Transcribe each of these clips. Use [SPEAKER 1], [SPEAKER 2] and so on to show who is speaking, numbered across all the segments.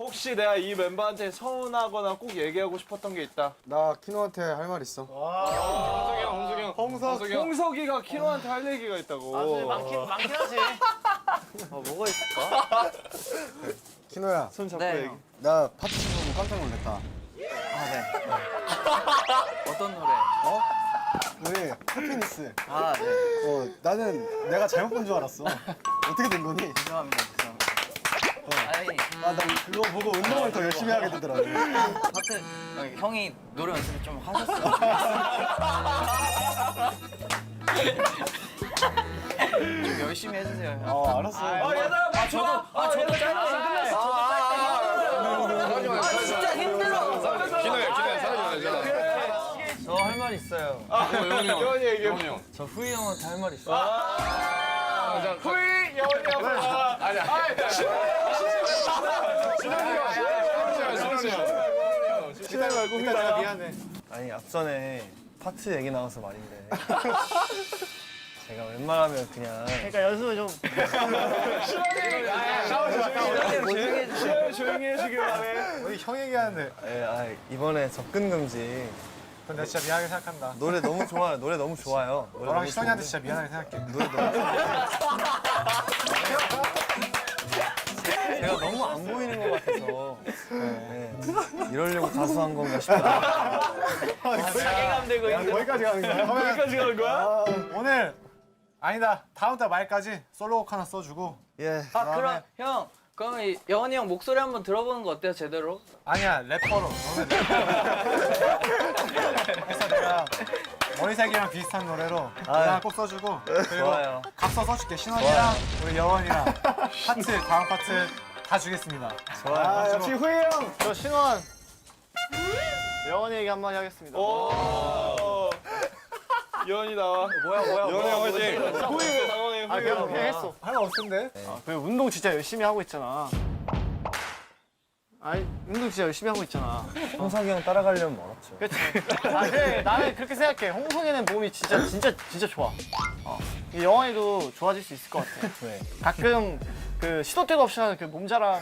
[SPEAKER 1] 혹시 내가 이 멤버한테 서운하거나 꼭 얘기하고 싶었던 게 있다.
[SPEAKER 2] 나 키노한테 할 말 있어.
[SPEAKER 1] 홍석이가 키노한테 할 얘기가 있다고.
[SPEAKER 3] 많긴 하지.
[SPEAKER 1] 뭐가 있을까?
[SPEAKER 2] 키노야,
[SPEAKER 1] 손 잡고
[SPEAKER 3] 네,
[SPEAKER 1] 얘기.
[SPEAKER 3] 형.
[SPEAKER 2] 나 파트 보고 깜짝 놀랐다.
[SPEAKER 3] 아, 네. 어떤 노래?
[SPEAKER 2] 어? 우리 해피니스.
[SPEAKER 3] 아, 네.
[SPEAKER 2] 나는 내가 잘못 본 줄 알았어. 어떻게 된 거니?
[SPEAKER 3] 죄송합니다. 아니,
[SPEAKER 2] 아, 나 그거 보고 운동을 더 열심히 하게 되더라고.
[SPEAKER 3] 하여튼 형이 노래 연습을 좀 하셨어요. 좀 열심히 해주세요. 형.
[SPEAKER 2] 알았어.
[SPEAKER 1] 얘들아 맞춰봐. 저도 짧았어. 끝났어.
[SPEAKER 3] 진짜 힘들어.
[SPEAKER 4] 저 할 말 있어요.
[SPEAKER 1] 여원이 얘기해.
[SPEAKER 4] 저 후이 형한테 할 말 있어요.
[SPEAKER 1] 후이 여원이 형. 아니야. 신나게 말고 후이 나야.
[SPEAKER 2] 미안해.
[SPEAKER 4] 아니 앞전에 파트 얘기 나와서 말인데 제가 웬만하면 그냥
[SPEAKER 3] 그러니까 연습을 좀.
[SPEAKER 1] 조용히 해주길 바래.
[SPEAKER 2] 우리 형 얘기하는데.
[SPEAKER 4] 이번에 접근 금지
[SPEAKER 2] 근데 진짜 미안하게 생각한다.
[SPEAKER 4] 노래 너무 좋아요. 노래 너무 좋아요. 노래
[SPEAKER 2] 너랑
[SPEAKER 4] 너무
[SPEAKER 2] 시선이한테
[SPEAKER 4] 좋은데
[SPEAKER 2] 진짜 미안하게 생각해.
[SPEAKER 4] 노래 너무 제가 너무 안 보이는 것 같아서 네. 이러려고 가수한 건가 싶다.
[SPEAKER 3] 자괴감 들고 있는.
[SPEAKER 2] 거기까지 가는 거야?
[SPEAKER 1] 여기까지 가는 거야?
[SPEAKER 2] 오늘 아니다. 다음 달 말까지 솔로곡 하나 써주고.
[SPEAKER 4] 예.
[SPEAKER 3] 그럼 형, 그러면 영원이 형 목소리 한번 들어보는 거 어때요, 제대로?
[SPEAKER 2] 아니야, 래퍼로. 너는 래퍼로. 그래서 내가 머리색이랑 비슷한 노래로 노래 하나 꼭 써주고 그리고
[SPEAKER 4] 좋아요.
[SPEAKER 2] 각서 써줄게. 신원이랑 우리 여원이랑 파트, 다음 파트 다 주겠습니다.
[SPEAKER 4] 좋아요.
[SPEAKER 1] 역시 후이 형.
[SPEAKER 5] 저 신원 영원히 얘기 한마디 하겠습니다.
[SPEAKER 1] 오. 여원이 나와. 여원이 형 화이팅. 후이 당황해.
[SPEAKER 5] 아 그냥 했어.
[SPEAKER 2] 할 말 없던데?
[SPEAKER 5] 그 운동 진짜 열심히 하고 있잖아. 아니 운동 진짜 열심히 하고 있잖아.
[SPEAKER 4] 홍석이 형 따라가려면 멀었죠.
[SPEAKER 5] 그렇지. 아 그래 나는 그렇게 생각해. 홍성이는 몸이 진짜 좋아. 이 영원이도 좋아질 수 있을 것 같아.
[SPEAKER 4] 네.
[SPEAKER 5] 가끔 그 시도 때도 없이 하는 그 몸자랑.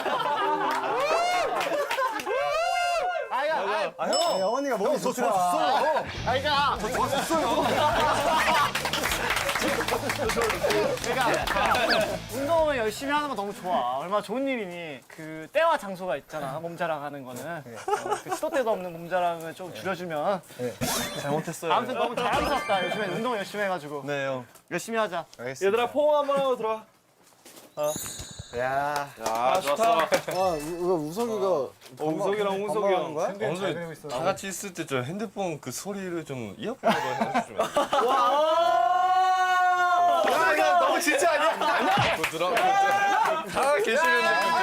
[SPEAKER 2] 형! 여원이가 몸이 좋더라.
[SPEAKER 5] 그러니까 운동을 열심히 하는 건 너무 좋아. 얼마나 좋은 일이니. 그 때와 장소가 있잖아. 몸자랑 하는 거는. 그 시도 때도 없는 몸자랑을 좀 줄여주면.
[SPEAKER 4] 잘못했어요.
[SPEAKER 5] 아무튼 너무 자랑스럽다. 요즘에 운동 열심히 해가지고.
[SPEAKER 4] 네 형.
[SPEAKER 5] 열심히 하자.
[SPEAKER 1] 얘들아 포옹 한번 하고 들어와.
[SPEAKER 4] 야.
[SPEAKER 1] 아 좋다.
[SPEAKER 2] 우석이가
[SPEAKER 1] 우석이랑 홍석이 형.
[SPEAKER 2] 거야?
[SPEAKER 6] 오늘
[SPEAKER 2] 잘 그리고 있어.
[SPEAKER 6] 다 같이 있을 때 저 핸드폰 그 소리를 좀 이어폰으로 해주시면 안 돼요?
[SPEAKER 1] 와.
[SPEAKER 6] 야 이거 너무 진짜 아니야? 다 계시는 느낌.